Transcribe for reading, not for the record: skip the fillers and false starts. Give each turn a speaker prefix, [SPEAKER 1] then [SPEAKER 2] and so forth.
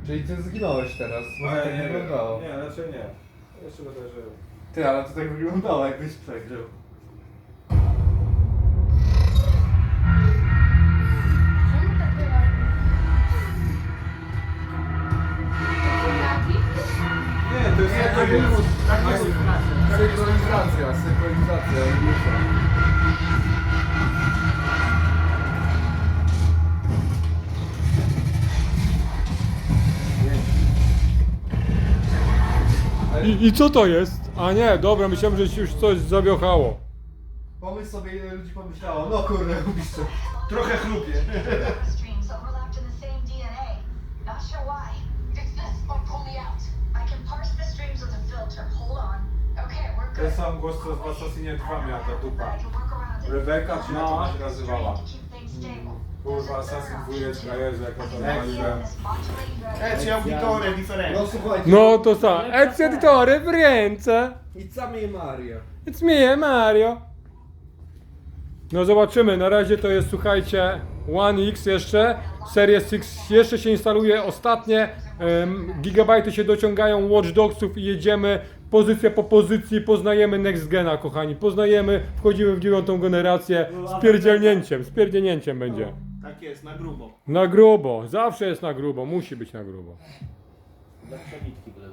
[SPEAKER 1] Czyli ty zginąłeś teraz, bo tak nie wyglądało.
[SPEAKER 2] Nie, raczej nie. Jeszcze będę żył.
[SPEAKER 1] Ty, ale to tak wyglądało, jakbyś przegrał.
[SPEAKER 3] Czemu tak bywa?
[SPEAKER 2] Nie, to jest jakaś
[SPEAKER 1] Synchronizacja, synchronizacja.
[SPEAKER 4] I co to jest? A nie, dobra, myślałem, że się już coś zawiochało.
[SPEAKER 1] Pomyśl sobie, ile ludzi pomyślało, no kurde, gubisz to.
[SPEAKER 2] trochę chlupie.
[SPEAKER 5] Streams overlapped in the same DNA. Not sure why. Fix this or pull me out. I can parse the streams with a filter. Hold on. Okay, we're good.
[SPEAKER 2] Ten sam głos, co w Assassinie 2 miała ta dupa. Rebeka, czy jak ona się nazywała? Kurwa, Assassin 2, Jezu, jak to nazywałem.
[SPEAKER 6] C'è un vitore
[SPEAKER 1] No
[SPEAKER 6] differente.
[SPEAKER 1] słuchajcie.
[SPEAKER 4] No to sam. Ex editore w ręce.
[SPEAKER 1] It's me Mario.
[SPEAKER 4] It's me, Mario. No zobaczymy, na razie to jest, słuchajcie, One X jeszcze, Series X jeszcze się instaluje, ostatnie gigabajty się dociągają Watch Dogsów i jedziemy pozycja po pozycji, poznajemy Next Gena, kochani, poznajemy, wchodzimy w 9. generację, z pierdzielnięciem będzie.
[SPEAKER 6] Tak jest, na grubo.
[SPEAKER 4] Na grubo, zawsze jest na grubo, musi być na grubo.
[SPEAKER 6] Dla przebitki.